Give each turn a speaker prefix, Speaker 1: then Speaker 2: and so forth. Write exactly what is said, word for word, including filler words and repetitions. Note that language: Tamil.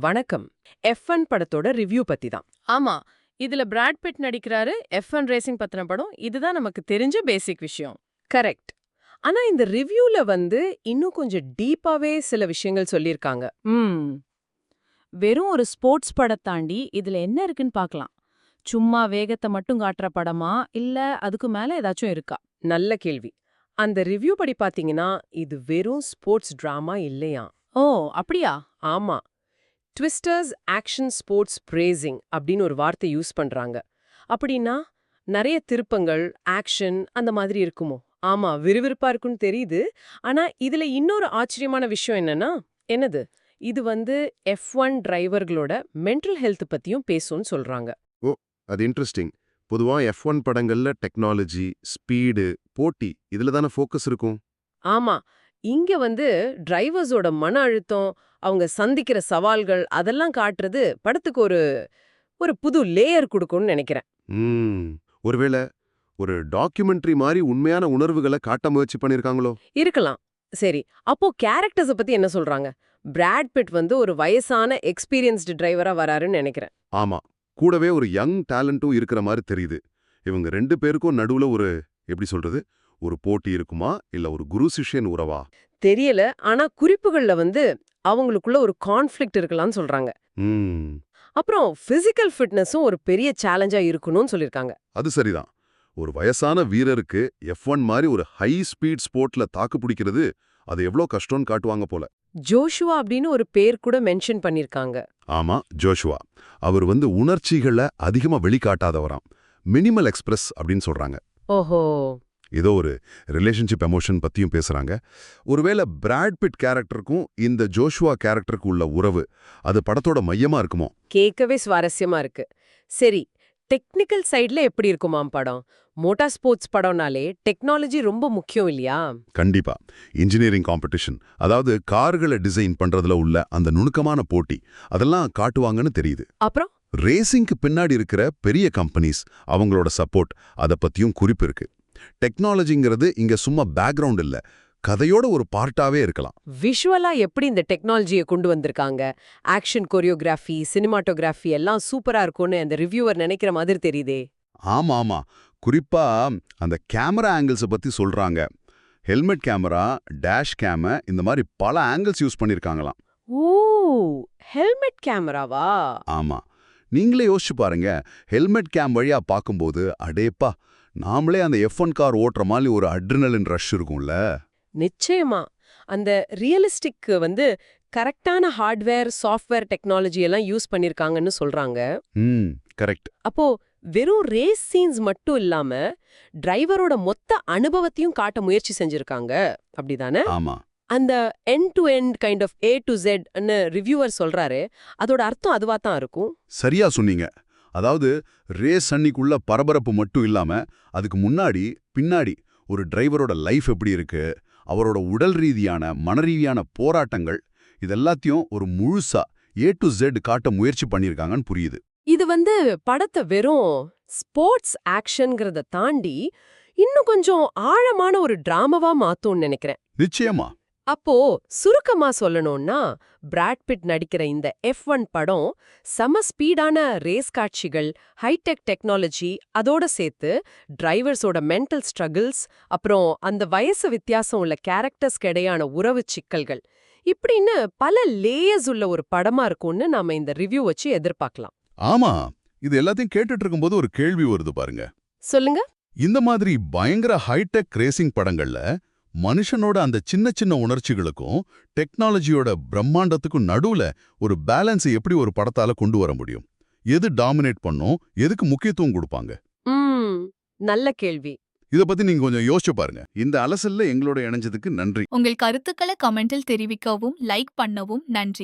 Speaker 1: வணக்கம். எஃப் ஒன் படத்தோட ரிவ்யூ பத்தி தான்.
Speaker 2: ஆமா, இதுல பிராட் பிட் நடிக்கிறாரு. எஃப் ஒன் ரேசிங் பத்தின படம். இதுதான் நமக்கு தெரிஞ்ச பேசிக் விஷயம்.
Speaker 1: கரெக்ட். ஆனா இந்த ரிவ்யூல வந்து இன்னும் கொஞ்சம் டீப்பாவே சில விஷயங்கள் சொல்லியிருக்காங்க.
Speaker 2: ம் வெறும் ஒரு ஸ்போர்ட்ஸ் படம் தாண்டி இதுல என்ன இருக்குன்னு பார்க்கலாம். சும்மா வேகத்தை மட்டும் காட்டுற படமா இல்ல அதுக்கு மேல ஏதாச்சும் இருக்கா?
Speaker 1: நல்ல கேள்வி. அந்த ரிவ்யூ படி பாத்தீங்கன்னா இது வெறும் ஸ்போர்ட்ஸ் டிராமா இல்லையா?
Speaker 2: ஓ, அப்படியா?
Speaker 1: ஆமா. ட்விஸ்டர்ஸ் ஆக்ஷன் ஸ்போர்ட்ஸ் பிரேசிங் அப்படின்னு ஒரு வார்த்தை யூஸ் பண்றாங்க. அப்படின்னா நிறைய திருப்பங்கள், ஆக்ஷன் அந்த மாதிரி இருக்குமோ? ஆமா, விறுவிறுப்பா இருக்குன்னு தெரியுது. ஆனா இதுல இன்னொரு ஆச்சரியமான விஷயம் என்னன்னா, என்னது? இது வந்து எஃப் ஒன் டிரைவர்களோட மென்டல் ஹெல்த் பத்தியும் பேசும்னு சொல்றாங்க.
Speaker 3: ஓ, அது இன்ட்ரெஸ்டிங். பொதுவா எஃப் ஒன் படங்கள்ல டெக்னாலஜி, ஸ்பீடு, போட்டி இதுல தானே ஃபோக்கஸ் இருக்கும்.
Speaker 1: ஆமா, இங்க வந்து டிரைவர்ஸோட மன அழுத்தம், அவங்க சந்திக்கிற சவால்கள் அதெல்லாம் காட்டுறது படத்துக்கு ஒரு ஒரு புது லேயர் கொடுக்கும்னு நினைக்கிறேன்.
Speaker 3: ம் ஒருவேளை ஒரு டாக்குமெண்ட்ரி மாதிரி உண்மையான உணர்வுகளை காட்ட முயற்சி பண்ணிருக்காங்களோ?
Speaker 1: இருக்கலாம். சரி, அப்போ கேரக்டர்ஸ பத்தி என்ன சொல்றாங்க? பிராட் பிட் வந்து ஒரு வயசான எக்ஸ்பீரியன்ஸ்டு டிரைவரா வராருன்னு நினைக்கிறேன்.
Speaker 3: ஆமா, கூடவே ஒரு யங் டேலண்ட்டும் இருக்கிற மாதிரி தெரியுது. இவங்க ரெண்டு பேருக்கும் நடுவுல ஒரு எப்படி சொல்றது, ஒரு போட்டி இருக்குமா இல்ல ஒரு குரு சிஷ்யன் உறவா?
Speaker 1: தெரியல, ஆனா குறிப்புகள்ல வந்து அவங்களுக்குள்ள ஒரு கான்ஃப்ளிக்ட் இருக்கலாம்னு சொல்றாங்க.
Speaker 3: ம்
Speaker 1: அப்புறம் பிசிக்கல் ஃபிட்னஸும் ஒரு பெரிய சேலஞ்சா இருக்கணும்னு சொல்லிருக்காங்க.
Speaker 3: அது சரிதான். ஒரு வயசான வீரருக்கு எஃப் ஒன் மாதிரி ஒரு ஹை ஸ்பீட் ஸ்போர்ட்ல தாக்கு பிடிக்கிறது அது எவ்வளோ கஷ்டம்னு காட்டுவாங்க போல.
Speaker 1: ஜோஷுவா அப்படின்னு ஒரு பேர் கூட மென்ஷன் பண்ணிருக்காங்க.
Speaker 3: ஆமா, ஜோஷுவா. அவர் வந்து உணர்ச்சிகளை அதிகமா வெளிக்காட்டாதவராம். மினிமல் எக்ஸ்பிரஸ் அப்படின்னு சொல்றாங்க.
Speaker 1: ஓஹோ.
Speaker 3: ஏதோ ஒரு ரிலேஷன்ஷிப் எமோஷன் பத்தியும் பேசுறாங்க. ஒருவேளை பிராட் பிட் கேரக்டருக்கும் இந்த ஜோஷுவா கேரக்டருக்கு உள்ள உறவு அது படத்தோட மையமா இருக்குமோ?
Speaker 1: கேட்கவே சுவாரஸ்யமா இருக்கு. சரி, டெக்னிக்கல் சைடுல எப்படி இருக்குமாம் படம்? மோட்டார் ஸ்போர்ட்ஸ் படம்னாலே டெக்னாலஜி ரொம்ப முக்கியம் இல்லையா?
Speaker 3: கண்டிப்பா. இன்ஜினியரிங் காம்படிஷன், அதாவது கார்களை டிசைன் பண்றதுல உள்ள அந்த நுணுக்கமான போட்டி அதெல்லாம் காட்டுவாங்கன்னு தெரியுது.
Speaker 1: அப்புறம்
Speaker 3: ரேசிங்க்கு பின்னாடி இருக்கிற பெரிய கம்பெனிஸ், அவங்களோட சப்போர்ட் அதை பத்தியும் குறிப்பு இருக்கு. டெக்னாலஜிங்கிறது இங்க சும்மா பேக்ரவுண்ட் இல்ல, கதையோட ஒரு பார்ட்டாவே இருக்கலாம்.
Speaker 1: விஷுவலா எப்படி இந்த டெக்னாலஜியை கொண்டு வந்திருக்காங்க? ஆக்ஷன் கொரியோகிராஃபி, சினிமாட்டோகிராஃபி எல்லாம் சூப்பரா இருக்கும்னு அந்த ரிவ்யூவர் நினைக்கிற மாதிரி தெரியுதே.
Speaker 3: ஆமா ஆமா, குறிப்பா அந்த கேமரா ஆங்கிள்ஸை பத்தி சொல்றாங்க. ஹெல்மெட் கேமரா, டேஷ் கேம இந்த மாதிரி பல ஆங்கிள்ஸ் யூஸ் பண்ணிருக்காங்களாம்.
Speaker 1: ஓ, ஹெல்மெட் கேமராவா?
Speaker 3: ஆமா, நீங்களே யோசிச்சு பாருங்க. ஹெல்மெட் கேம் வழியா பார்க்கும்போது அடேப்பா, நாமளே அந்த எஃப் ஒன் கார் ஓட்டுற மாதிரி ஒரு அட்ரினலின் ரஷ் இருக்கும்ல.
Speaker 1: நிச்சயமா. அந்த ரியலிஸ்டிக் வந்து கரெக்டான ஹார்ட்வேர், சாஃப்ட்வேர் டெக்னாலஜி எல்லாம் யூஸ் பண்ணிருக்காங்கன்னு சொல்றாங்க.
Speaker 3: ம் கரெக்ட்.
Speaker 1: அப்போ வெறும் ரேஸ் சீன்ஸ் மட்டும் இல்லாம டிரைவரோட மொத்த அனுபவத்தையும் காட்ட முயற்சி செஞ்சிருக்காங்க, அப்படிதானே?
Speaker 3: ஆமா.
Speaker 1: அந்த end to end kind of A to Z ன்னு ரிவ்யூவர் சொல்றாரு. அதோட அர்த்தம் அதுவா தான் இருக்கும்.
Speaker 3: சரியா சொன்னீங்க. அதாவது ரேஸ் அன்னிக்குள்ள பரபரப்பு மட்டும் இல்லாம அதுக்கு முன்னாடி பின்னாடி ஒரு டிரைவரோட லைஃப் எப்படி இருக்கு, அவரோட உடல் ரீதியான மனரீதியான போராட்டங்கள் இதெல்லாத்தையும் ஒரு முழுசா ஏ டு ஜெட் காட்ட முயற்சி பண்ணியிருக்காங்கன்னு புரியுது.
Speaker 1: இது வந்து படத்தை வெறும் ஸ்போர்ட்ஸ் ஆக்ஷன்ங்கிறத தாண்டி இன்னும் கொஞ்சம் ஆழமான ஒரு டிராமாவா மாத்தும்னு நினைக்கிறேன்.
Speaker 3: நிச்சயமா.
Speaker 1: அப்போ சுருக்கமா சொல்லணும்னா, பிராட் பிட் நடிக்கிற இந்த எஃப் ஒன் படம் சம ஸ்பீடான ரேஸ் காட்சிகள், ஹைடெக் டெக்னாலஜி, அதோட சேர்த்து டிரைவர்ஸோட மென்டல் ஸ்ட்ரகிள்ஸ், அப்புறம் அந்த வயசு வித்தியாசம் உள்ள கேரக்டர்ஸ்க்கு இடையான உறவு சிக்கல்கள், இப்படின்னு பல லேயர்ஸ் உள்ள ஒரு படமா இருக்கும்னு நாம இந்த ரிவ்யூ வச்சு எதிர்பார்க்கலாம்.
Speaker 3: ஆமா, இது எல்லாத்தையும் கேட்டுட்டு இருக்கும்போது ஒரு கேள்வி வருது பாருங்க.
Speaker 1: சொல்லுங்க.
Speaker 3: இந்த மாதிரி பயங்கர ஹைடெக் ரேசிங் படங்கள்ல மனுஷனோட அந்த சின்ன சின்ன உணர்ச்சிகளுக்கும் டெக்னாலஜியோட பிரம்மாண்டத்துக்கும் நடுவுல ஒரு பேலன்ஸை எப்படி ஒரு படத்தால கொண்டு வர முடியும்? எது டாமினேட் பண்ணும், எதுக்கு முக்கியத்துவம் கொடுப்பாங்க?
Speaker 1: ம் நல்ல கேள்வி.
Speaker 3: இத பத்தி நீங்க கொஞ்சம் யோசிச்சு பாருங்க. இந்த அலசல்ல எங்களோட இணைஞ்சதுக்கு நன்றி.
Speaker 4: உங்கள் கருத்துக்களை கமெண்டில் தெரிவிக்கவும் லைக் பண்ணவும் நன்றி.